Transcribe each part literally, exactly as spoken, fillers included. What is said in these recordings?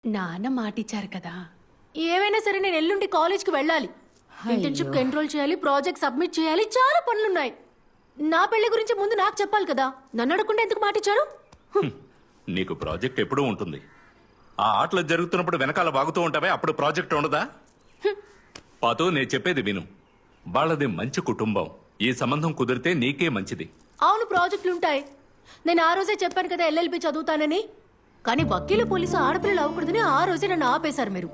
నాన్న మాటిచ్చారు కదా. ఏవైనా సరే నేను ఎల్లుండి కాలేజ్కి వెళ్ళాలి. ఇంటర్న్షిప్ ఎన్రోల్ చేయాలి, ప్రాజెక్ట్ సబ్మిట్ చేయాలి, చాలా పనులున్నాయి. నా పెళ్లి గురించి ముందు నాకు చెప్పాలి కదా. నన్ను అడగకుండా ఎందుకు మాటిచ్చారు? నీకు ప్రాజెక్ట్ ఎప్పుడూ ఉంటుంది. ఆ ఆటలు జరుగుతున్నప్పుడు వెనకాల బాగుతూ ఉంటావే, అప్పుడు ప్రాజెక్ట్ ఉండదా? పాతు, నేను చెప్పేది విను. వాళ్ళది మంచి కుటుంబం. ఈ సంబంధం కుదిరితే నీకే మంచిది. అవును, ప్రాజెక్టులు ఉంటాయి. నేను ఆ రోజే చెప్పాను కదా ఎల్ఎల్బి చదువుతానని. కానీ వకీలు పోలీసు ఆడపిల్లలు అవ్వకూడదని ఆ రోజే నన్ను ఆపేశారు మీరు.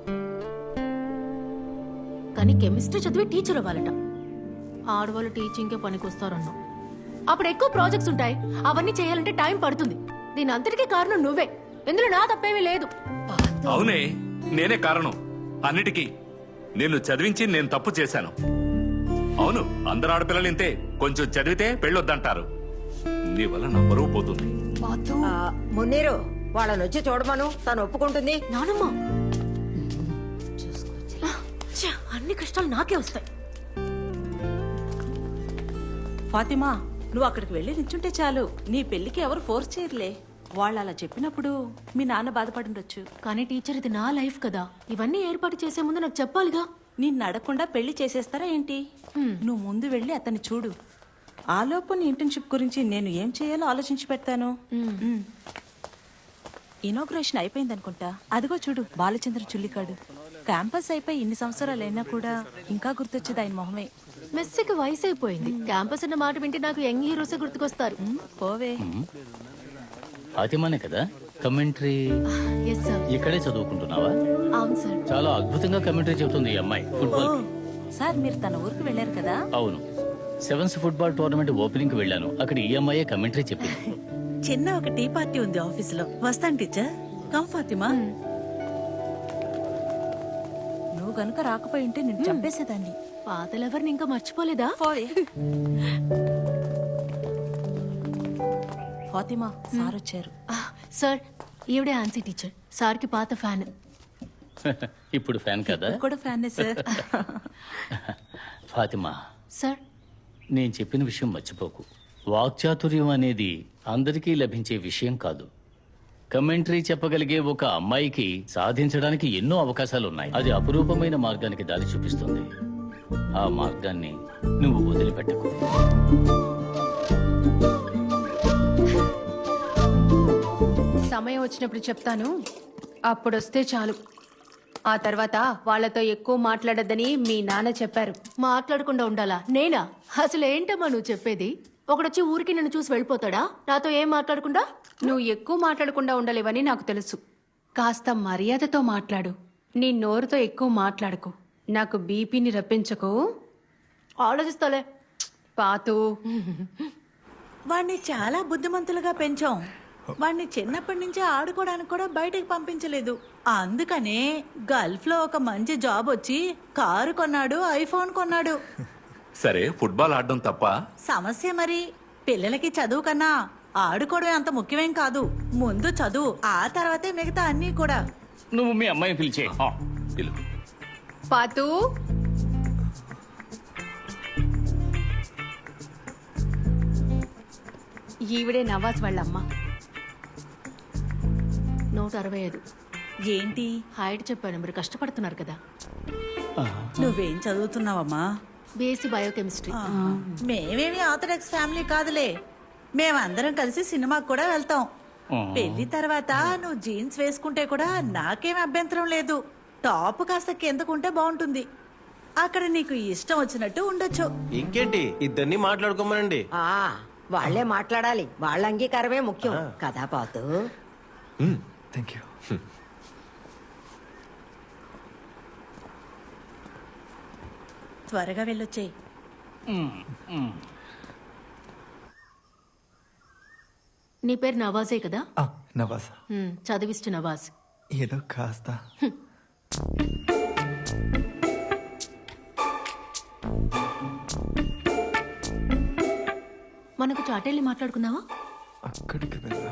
కానీ కెమిస్ట్రీ చదివి టీచర్ అవ్వాలట. ఆడవాళ్ళు టీచింగ్కే పనికొస్తారన్నా. అప్పుడు ఎక్కువ ప్రాజెక్ట్స్ ఉంటాయి, అవన్నీ చేయాలంటే టైం పడుతుంది. దీని అంతటికీ కారణం నువ్వే. ఇందులో నా తప్పేమీ లేదు. అవునే, నేనే కారణం అన్నిటికీ. నిన్ను చదివించి నేను తప్పు చేశాను. అవును, అందరు ఆడపిల్లలు ఇంతే. కొంచెం చదివితే పెళ్ళొద్దంటారు. నీ వల్ల నా బరువు పోతుంది. మున్నీరు, వాళ్ళని వచ్చి చూడమను, తను ఒప్పుకుంటుంది. నానమ్మ, ఛ, అన్ని కష్టాలు నాకే వస్తాయి. ఫాతిమా, నువ్వు అక్కడికి వెళ్ళి నిల్చుంటే చాలు. నీ పెళ్లికి ఎవరు ఫోర్స్ చేయరులే. వాళ్ళు అలా చెప్పినప్పుడు మీ నాన్న బాధపడుండొచ్చు. కానీ టీచర్, ఇది నా లైఫ్ కదా. ఇవన్నీ ఏర్పాటు చేసే ముందు నాకు చెప్పాలిగా. నిన్ను అడగకుండా పెళ్లి చేసేస్తారా ఏంటి? నువ్వు ముందు వెళ్ళి అతన్ని చూడు. ఆలోపు నీ ఇంటర్న్షిప్ గురించి నేను ఏం చేయాలో ఆలోచించి పెడతాను. ఇనాగ్రేషన్ అయిపోయింది అనుకుంటా. అదిగో చూడు, బాలచంద్ర చుల్లికాడు. క్యాంపస్ అయిపోయి ఇన్ని సంవత్సరాలు అయినా కూడా ఇంకా గుర్తొచ్చేది ఆయన మొహమే. మెస్సీకి వయసు అయిపోయింది. క్యాంపస్ అన్న మాట వింటే నాకు యంగ్ హీరోసే గుర్తుకొస్తారు. పోవే. ఫాతిమానే కదా కమెంటరీ? Yes sir. ఇక్కడే చదువుకుంటున్నావా? అవును సార్. చాలా అద్భుతంగా కమెంటరీ చెబుతుంది ఈ అమ్మాయి. ఫుట్బాల్ కి. సార్, మీరు తన ఊరికి వెళ్ళారు కదా? అవును, సెవెన్స్ ఫుట్బాల్ టోర్నమెంట్ ఓపెనింగ్ కి వెళ్ళాను. అక్కడ ఈ అమ్మాయే కమెంటరీ చెప్పింది. చిన్న ఒక టీ పార్టీ ఉంది ఆఫీస్ లో. వస్తాను టీచర్. కమ్ ఫాతిమా. నువ్వు గనుక రాకపోయి ఉంటే నేను చంపేసేదాన్ని. పాతలెవరిని ఇంకా మర్చిపోలేదా? ఫాతిమా, సార్ వచ్చారు. సార్, ఈవిడే ఆన్సీ టీచర్. సార్కి పాత ఫ్యాన్. ఇప్పుడు ఫ్యాన్ కదా? కూడా ఫ్యానే సార్. ఫాతిమా, సార్, నేను చెప్పిన విషయం మర్చిపోకు. వాక్చాతుర్యం అనేది అందరికీ లభించే విషయం కాదు. కమెంటరీ చెప్పగలిగే ఒక అమ్మాయికి సాధించడానికి ఎన్నో అవకాశాలు ఉన్నాయి. అది అపురూపమైన మార్గానికి దారి చూపిస్తుంది. ఆ మార్గాన్ని నువ్వు వదిలిపెట్టకు. సమయం వచ్చినప్పుడు చెప్తాను, అప్పుడొస్తే చాలు. ఆ తర్వాత వాళ్లతో ఎక్కువ మాట్లాడొద్దని మీ నాన్న చెప్పారు. మాట్లాడకుండా ఉండాలా? నేనా? అసలు ఏంటమ్మా నువ్వు చెప్పేది? ఒకడొచ్చి ఊరికి నన్ను చూసి వెళ్ళిపోతాడా నాతో ఏం మాట్లాడకుండా? నువ్వు ఎక్కువ మాట్లాడకుండా ఉండలేవని నాకు తెలుసు. కాస్త మర్యాదతో మాట్లాడు. నీ నోరుతో ఎక్కువ మాట్లాడకు. నాకు బీపీని రప్పించకు. ఆలోచిస్తాలే. పాతు, వాణ్ణి చాలా బుద్ధిమంతులుగా పెంచాం. వాణ్ణి చిన్నప్పటి నుంచి ఆడుకోవడానికి కూడా బయటకు పంపించలేదు. అందుకనే గల్ఫ్ లో ఒక మంచి జాబ్ వచ్చి కారు కొన్నాడు, ఐఫోన్ కొన్నాడు. సరే, ఫుట్బాల్ ఆడడం తప్ప? సమస్య మరి పిల్లలకి చదువు కన్నా ఆడుకోవడం అంత ముఖ్యమేం కాదు. ముందు చదువు, ఆ తర్వాతే మిగతా అన్నీ కూడా. నువ్వు మీ అమ్మాయిని పిలిచే. పిలు. పాతు, ఈవిడే నవాజ్ వాళ్ళమ్మ. నూట అరవై ఐదు. ఏంటి హైట్ చెప్పాను, మీరు కష్టపడుతున్నారు కదా. నువ్వేం చదువుతున్నావమ్మా? BSc biochemistry. మేమేమి ఆర్థడాక్స్ ఫ్యామిలీ కాదులే. మేమందరం కలిసి సినిమాకి కూడా వెళ్తాం. పెళ్లి తర్వాత నువ్వు జీన్స్ వేసుకుంటే కూడా నాకేం అభ్యంతరం లేదు. టాప్ కాస్త కిందకుంటే బాగుంటుంది. అక్కడ నీకు ఇష్టం వచ్చినట్టు ఉండొచ్చు. ఇంకేంటి, ఇద్దరిని మాట్లాడుకోమనండి. ఆ వాళ్లే మాట్లాడాలి. వాళ్ళ అంగీకారమే ముఖ్యం కదా పాతు. Thank you. త్వరగా వెళ్ళొచ్చేయి. నీ పేరు నవాజే కదా? నవాజ్. హ్మ్, చదివిస్తు నవాజ్. ఏదో కాస్త. మనకు చాటెళ్ళి మాట్లాడుకుందావా? అక్కడికి వెళ్ళా.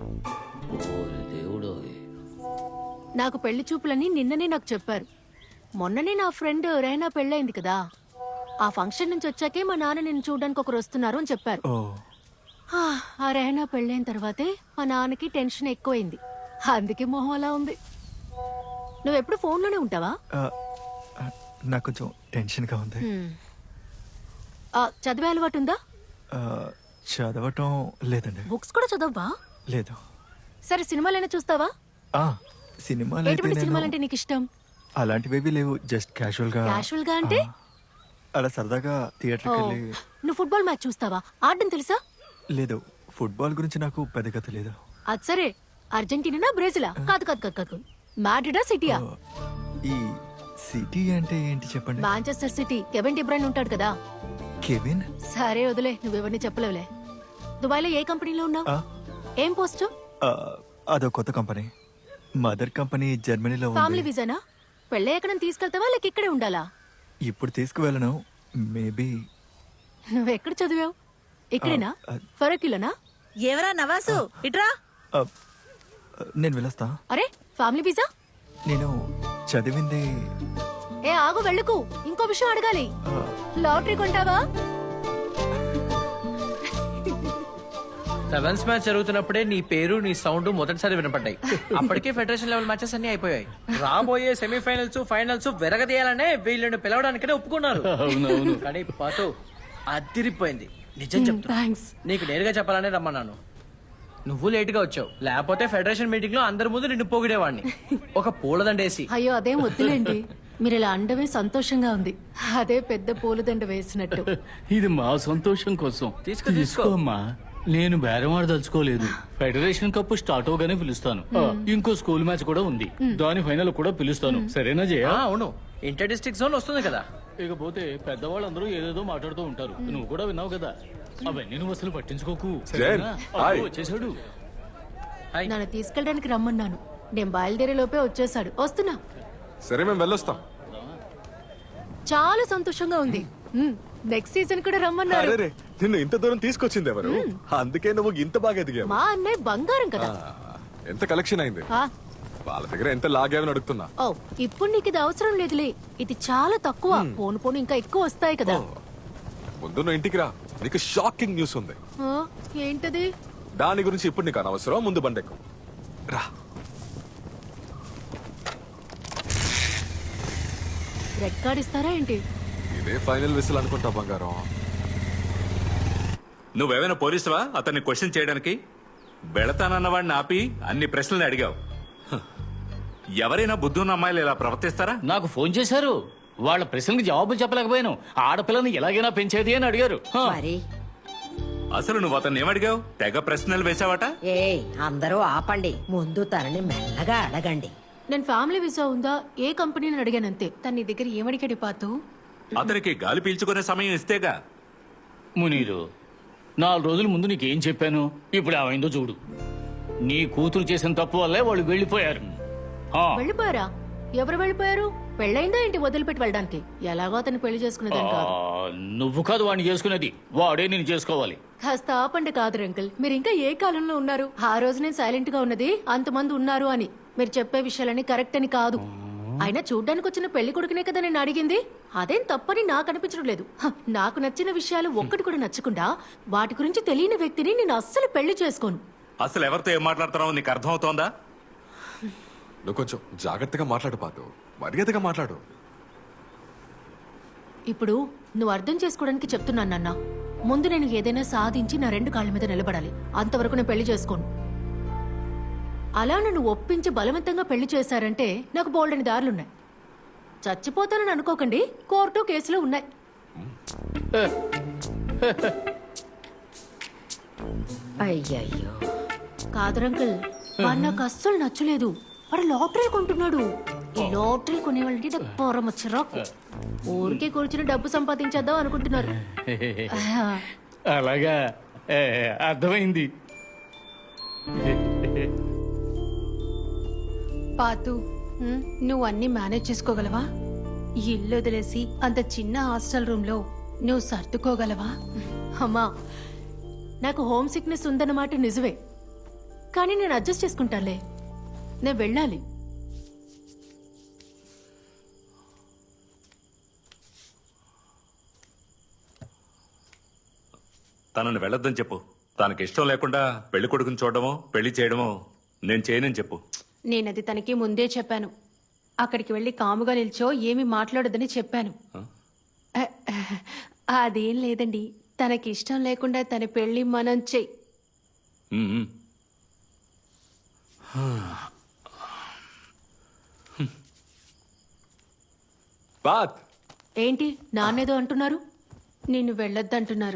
దేవుడు, నాకు పెళ్లి చూపులని నిన్ననే నాకు చెప్పారు. మొన్ననే నా ఫ్రెండ్ రైనా పెళ్ళైంది కదా, ఆ ఫంక్షన్ నుంచి వచ్చాకే మా నాన్న నిన్ను చూడడానికి ఒకరు వస్తున్నారు అని చెప్పారు. ఓ ఆ, ఆ రైనా పెళ్ళైన తర్వాతే మా నాన్నకి టెన్షన్ ఎక్కువైంది, అందుకే మొహం అలా ఉంది. నువ్వెప్పుడు ఫోన్లోనే ఉంటావా? ఆ, ఆ, నాకు కొంచెం టెన్షన్గా ఉంది. హ్మ్. ఆ, చదివే అలవాటు ఉందా? ఆ, చదవటం లేదండి. బుక్స్ కూడా చదవవా? లేదు. సరే సినిమాలైనా చూస్తావా? ఆ, సినిమాలు అయితే ఎటువంటి నేను సినిమాలంటే నీకు ఇష్టం? అలాంటివేవి లేవు. జస్ట్ క్యాజువల్గా క్యాషువల్ గా అంటే? అలా సరదాగా థియేటర్కి ఓ, వెళ్ళి. నువ్వు ఫుట్బాల్ మ్యాచ్ చూస్తావా? ఆడడం తెలుసా? లేదు, ఫుట్బాల్ గురించి నాకు పెద్దగా తెలియదు. అది సరే, అర్జెంటీనా బ్రెజిలా? కాదు కాదు కాదు కాదు, మాడ్రిడా సిటీయా? ఆ, ఈ సిటీ అంటే ఏంటి చెప్పండి. Manchester city. కెవిన్ డిబ్రైన్ ఉంటాడు కదా. కెవిన్? సరే వదిలే, నువ్వెవరిని చెప్పలేవులే. దుబాయ్లో ఏ కంపెనీలో ఉన్నావు? ఆ, ఏం పోస్టు? ఆ, అదో కొత్త కంపెనీ. మదర్ కంపెనీ జర్మనీలో ఫ్యామిలీ ఉంది. వీసానా? పెళ్ళి ఎక్కడ తీసుకెళ్తావా లేక ఇక్కడే ఉండాలా? ఇప్పుడు తీసుకువెళ్ళను. మేబీ. నువ్వెక్కడ చదివావు? ఇక్కడేనా? ఆ, ఫరకిలోనా? ఎవరా నవాసు ఇట్రా. నేను వెళ్ళొస్తా. అరే, ఫ్యామిలీ వీసా? నేను చదివింది. ఏ ఆగు, వెళ్ళకు. ఇంకో విషయం అడగాలి. ఆ, లాటరీ కొంటావా? సెవెన్స్ మ్యాచ్ జరుగుతున్నప్పుడే నీ పేరు నీ సౌండ్ మొదటిసారి వినపడ్డాయి. అప్పటికే ఫెడరేషన్ లెవెల్ మ్యాచెస్ అన్ని అయిపోయాయి. రాబోయే సెమీఫైనల్స్ ఫైనల్స్ వెరగదీయాలనే వీళ్ళని పిలవడానికనే ఒప్పుకున్నారు. అవునవును. కానీ పాతో అదిరిపోయింది. నిజం చెప్తున్నా, థ్యాంక్స్. నీకు నేరుగా చెప్పాలనే రమ్మన్నాను. నువ్వు లేట్ గా వచ్చావు, లేకపోతే ఫెడరేషన్ మీటింగ్ లో అందరి ముందు నిన్ను పొగిడేవాడిని ఒక పూలదండేసి. అయ్యో అదేం వద్దులేండి, మీరు ఇలా అండమే సంతోషంగా ఉంది. అదే పెద్ద పూలదండ వేసినట్టు. ఇది మా సంతోషం కోసం. తీసుకో, తీసుకో. అమ్మా. నేను బేరమాడ దలుచుకోలేదు. ఫెడరేషన్ కప్ స్టార్ట్ అవగానే పిలుస్తాను. ఆ, ఇంకో స్కూల్ మ్యాచ్ కూడా ఉంది, దాని ఫైనల్ కూడా పిలుస్తాను. సరేనా జయ? ఆ, అవును, ఇంటర్ డిస్ట్రిక్ట్ జోన్ వస్తుంది కదా. ఇకపోతే పెద్దవాళ్ళందరూ ఏదేదో మాట్లాడుతూ ఉంటారు, నువ్వు కూడా విన్నావు కదా. అవన్నీ నువ్వు అసలు పట్టించుకోకు. జైన్, సరేనా? హాయ్. అబ్బో, వచ్చేసాడు. హాయ్. నన్ను తీసుకెళ్ళడానికి రమ్మన్నాను, నేను బయలుదేరే లోపే వచ్చేసాడు. వస్తున్నా. సరే మేము వెళ్ళొస్తాం. చాలా సంతోషంగా ఉంది. నెక్స్ట్ సీజన్ కూడా రమ్మన్నారు. అరే రే, నిన్ను ఇంత దూరం తీసుకొచ్చింది ఎవరు? అందుకే నువ్వు ఇంత బాగా ఎదిగావు. మా అన్నయ్య బంగారం కదా. ఆ, ఎంత కలెక్షన్ అయింది? ఆ, వాళ్ళ దగ్గర ఎంత లాగావని అడుగుతున్నా. ఓ ఇప్పుడు నీకు ఇది అవసరం లేదులే, ఇది చాలా తక్కువ. పోను పోను ఇంకా ఎక్కువ వస్తాయి కదా. ముందు నువ్వు ఇంటికి రా, నీకు షాకింగ్ న్యూస్ ఉంది. ఆ, ఏంటది? దాని గురించి ఇప్పుడు నీకు అనవసరం, ముందు బండెక్కు రా. రెడ్ కార్డ్ ఇస్తారా ఏంటి? ఇదే ఫైనల్ విసిల్ అనుకుంటా బంగారం. నువ్వేమైనా పోలీసువా అతన్ని క్వశ్చన్ చేయడానికి? బెళతానన్న వాడిని ఆపి అన్ని ప్రశ్నలు అడిగావు. హ. ఎవరైనా బుద్ధున్న అమ్మాయిలు ఇలా ప్రవర్తిస్తారా? నాకు ఫోన్ చేశారు, వాళ్ళ ప్రశ్నలకు జవాబులు చెప్పలేకపోయాను. ఆడపిల్లని ఎలాగైనా పెంచేది అని అడిగారు. హ. మరి అసలు నువ్వు అతన్ని ఏమడిగావు? తెగ ప్రశ్నలు వేసావట. ఏ అందరూ ఆపండి, ముందు తనని మెల్లగా అడగండి. నేను ఫ్యామిలీ వీసా ఉందా, ఏ కంపెనీని అడిగానంతే. తన నీ దగ్గర ఏమడిగాడు పాతు? అతనికి గాలి పీల్చుకునే సమయం ఇస్తేగా. మునీరు, నాలుగు రోజుల ముందు నీకేం చెప్పాను? ఇప్పుడు ఏమైందో చూడు. నీ కూతురు చేసిన తప్పు వల్లే వాళ్ళు వెళ్ళిపోయారు. ఆ, వెళ్ళిపోయారా? ఎవరు వెళ్ళిపోయారు? పెళ్ళైందా ఏంటి వదిలిపెట్టి వెళ్ళడానికి? ఎలాగో అతను పెళ్లి చేసుకునేదాన్ని ఆ, కాదు. నువ్వు కాదు వాడిని చేసుకునేది, వాడే నేను చేసుకోవాలి. కాస్త ఆపండి కాదు అంకుల్, మీరు ఇంకా ఏ కాలంలో ఉన్నారు? ఆ రోజు నేను సైలెంట్ గా ఉన్నది అంతమంది ఉన్నారు అని. మీరు చెప్పే విషయాలని కరెక్ట్ అని కాదు. అయినా చూడ్డానికి వచ్చిన పెళ్లి కొడుకునే కదా నేను అడిగింది. అదేం తప్పని నాకు అనిపించడం లేదు. హ, నాకు నచ్చిన విషయాలు ఒక్కటి కూడా నచ్చకుండా వాటి గురించి తెలియని వ్యక్తిని నేను అస్సలు పెళ్లి చేసుకోను. అసలు ఎవరితో ఏం మాట్లాడుతున్నావు నీకు అర్థమవుతోందా? నువ్వు కొంచెం జాగ్రత్తగా మాట్లాడు పాతు, మర్యాదగా మాట్లాడు. ఇప్పుడు నువ్వు అర్థం చేసుకోవడానికి చెప్తున్నాను నాన్న. ముందు నేను ఏదైనా సాధించి నా రెండు కాళ్ళ మీద నిలబడాలి. అంతవరకు నేను పెళ్లి చేసుకోను. అలా నన్ను ఒప్పించి బలవంతంగా పెళ్లి చేశారంటే నాకు బోల్డని దారులున్నాయి. చచ్చిపోతానని అనుకోకండి, కోర్టు కేసులు ఉన్నాయి. అయ్యయ్యో, కాదరంకుల్, వాడు నాకు అస్సలు నచ్చలేదు. వాడు లాటరీ కొంటున్నాడు. ఈ లాటరీ కొనేవాళ్ళంటే నాకు పొరమ చిరాకు. ఊరికే కూర్చుని డబ్బు సంపాదించేద్దాం అనుకుంటున్నారు. అలాగా, ఏ, అర్థమైంది. పాతు, నువ్వు అన్ని మేనేజ్ చేసుకోగలవా? ఈ ఇల్లు వదిలేసి అంత చిన్న హాస్టల్ రూమ్ లో నువ్వు సర్దుకోగలవా? అమ్మా, నాకు హోమ్ సిక్నెస్ ఉందన్నమాట నిజమే, కానీ నేను అడ్జస్ట్ చేసుకుంటానులే. నేను వెళ్ళాలి. తనని వెళ్ళొద్దని చెప్పు. తనకి ఇష్టం లేకుండా పెళ్లి కొడుకుని చూడడమో పెళ్లి చేయడమో నేను చేయనని చెప్పు. నేనది తనకి ముందే చెప్పాను. అక్కడికి వెళ్ళి కాముగా నిల్చో ఏమి మాట్లాడొద్దని చెప్పాను. అ- అదేం లేదండి, తనకి ఇష్టం లేకుండా తన పెళ్లి మనం చెయ్యి. ఉమ్. బాత్ ఏంటి నాన్నేదో అంటున్నారు? నిన్ను వెళ్ళొద్దంటున్నారు.